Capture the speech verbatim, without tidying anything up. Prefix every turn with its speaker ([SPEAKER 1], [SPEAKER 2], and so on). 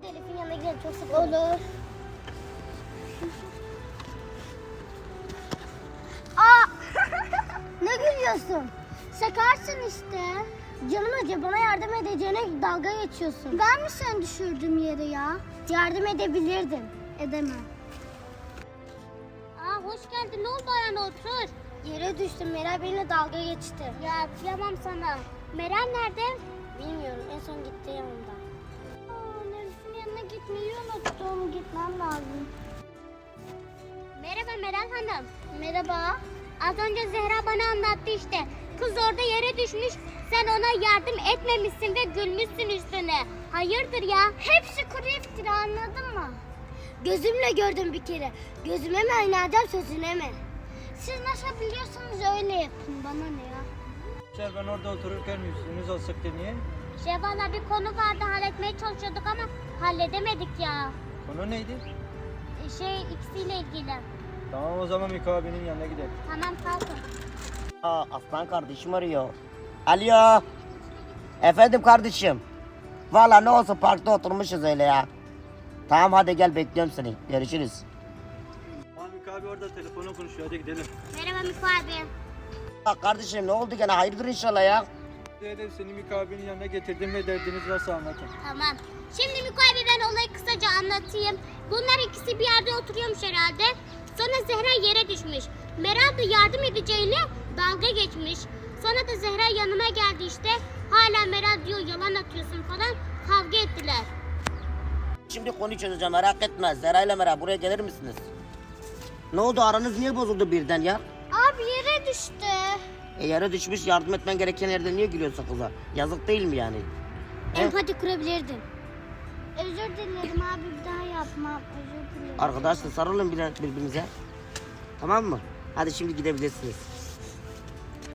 [SPEAKER 1] Elif'in yanına gidelim. Çok sıkıldım. Olur. Aa! Ne gülüyorsun? Sakarsın işte. Canım acı, bana yardım edeceğine dalga geçiyorsun. Ben mi seni düşürdüm yere ya? Yardım edebilirdim. Edemem.
[SPEAKER 2] Aa, hoş geldin. Ne oldu ayağına, otur.
[SPEAKER 1] Yere düştüm. Meral benimle dalga geçti.
[SPEAKER 2] Ya kıyamam sana. Meral nerede?
[SPEAKER 1] Bilmiyorum. En son gitti yanımda. Aa, Elif'in yanına gitmeyi unuttum. Gitmem lazım.
[SPEAKER 2] Merhaba Meral Hanım.
[SPEAKER 1] Merhaba.
[SPEAKER 2] Az önce Zehra bana anlattı işte. Kız orada yere düşmüş. Sen ona yardım etmemişsin ve gülmüşsün üstüne. Hayırdır ya?
[SPEAKER 1] Hepsi kuru iftira, anladın mı? Gözümle gördüm bir kere. Gözüme mi oynayacağım, sözüne mi? Siz nasıl biliyorsanız öyle yapın. Bana ne ya?
[SPEAKER 3] Şey, ben orada otururken yüzünüz olsak niye?
[SPEAKER 2] Şey valla bir konu vardı, halletmeye çalışıyorduk ama halledemedik ya.
[SPEAKER 3] Konu neydi?
[SPEAKER 2] E, Şey ikisiyle ilgili.
[SPEAKER 3] Tamam, o zaman Miko abinin yanına gidelim.
[SPEAKER 2] Tamam, kalkın.
[SPEAKER 4] Aa, aslan kardeşim arıyor. Alo. Efendim kardeşim. Valla ne olsun, parkta oturmuşuz öyle ya. Tamam hadi gel, bekliyorum seni. Görüşürüz.
[SPEAKER 3] Tamam, Miko abi orada telefonla konuşuyor, hadi gidelim.
[SPEAKER 2] Merhaba Miko abi.
[SPEAKER 4] Aa, kardeşim ne oldu gene, hayırdır inşallah ya.
[SPEAKER 3] Dedim seni Miko abinin yanına getirdim ve derdiniz varsa anlatın.
[SPEAKER 2] Tamam. Şimdi Miko abi, ben olayı kısaca anlatayım. Bunlar ikisi bir yerde oturuyormuş herhalde. Sonra Zehra yere düşmüş. Meral da yardım edeceğine dalga geçmiş. Sonra da Zehra yanıma geldi işte. Hala Meral diyor yalan atıyorsun falan. Kavga ettiler.
[SPEAKER 4] Şimdi konuyu çözeceğim, merak etme. Zera ile Meral buraya gelir misiniz? Ne oldu, aranız niye bozuldu birden ya?
[SPEAKER 1] Abi yere düştü.
[SPEAKER 4] E yere düşmüş, yardım etmen gereken yerde niye gülüyorsun kıza? Yazık değil mi yani? He?
[SPEAKER 1] Empati kurabilirdin. Özür dilerim abi, bir daha yapmam. Özür dilerim.
[SPEAKER 4] Arkadaşlar sarılın bir- birbirinize. Tamam mı? Hadi şimdi gidebilirsiniz.